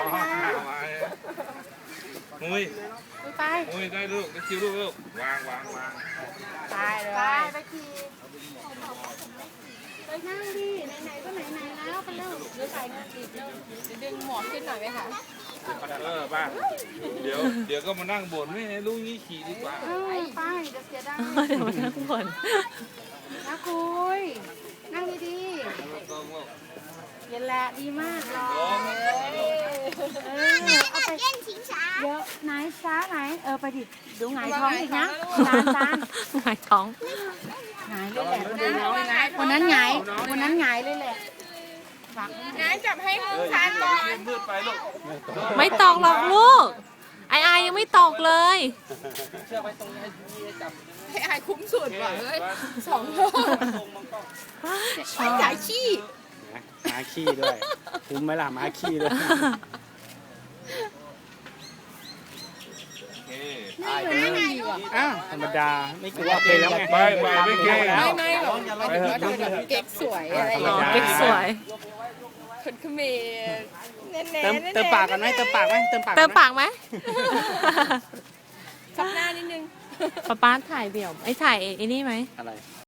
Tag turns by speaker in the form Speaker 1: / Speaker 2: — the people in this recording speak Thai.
Speaker 1: มุ้ย
Speaker 2: ไป
Speaker 1: มุ้ยได้ลูกได้คิวลูกวาง
Speaker 2: ไปเลยไปขี่ไปนั่งดิไหนๆก็ไหนๆแล้วไปเร็วเดี๋ยวใส่เงินอีกเร็วดึงหมอนขึ้นหน่อยไหมคะ
Speaker 1: ป้าเดี๋ยวก็มานั่งบ่นไม่ให้ลูกนี่ขี่ดีกว่า
Speaker 2: ไปเดี๋ยวเสียดาย
Speaker 3: เดี๋ยวมานั่งบ่น
Speaker 2: นะคุยนั่งดีๆเย็นแหละดีมากรอเอาไปเล่นชิงช้าเยอะไหนช้าไหนไปดิดูหงายท้องอีกนะจาน
Speaker 3: หงายท้อง
Speaker 2: หงายเลยแหละคนนั้นหงายเลยแหละงั้นจับให้ทานก่อน
Speaker 1: มืดไปลูก
Speaker 3: ไม่ตกหรอกลูกไอยังไม่ตกเลย
Speaker 2: ให้อายคุ้มสุดว่ะเฮ้ย2 โลจ่ายขี้
Speaker 4: ม้าขี้ด้วยคุ้มไหมล่ะม้าขี้ด้วย อ้าวธรรมดาไม่กลัวเป็นแล้วไง
Speaker 1: ไปไม่เก่ง
Speaker 2: ไม่หรอกหมายถึงว่าเธอแบบเก๊กสวยอะไรอย่าง
Speaker 3: อ๋อ
Speaker 2: เงี้ย
Speaker 3: เก๊กสวย
Speaker 2: คนเขมรเน้นๆ
Speaker 4: เติมปากกันไหมเติมปากไหมเติมปาก
Speaker 3: เติมปากไหม
Speaker 2: ซับหน้านิดนึง
Speaker 3: ป๊าถ่ายเดี่ยวไอ้ถ่ายไอ้นี่ไหม
Speaker 4: อะไร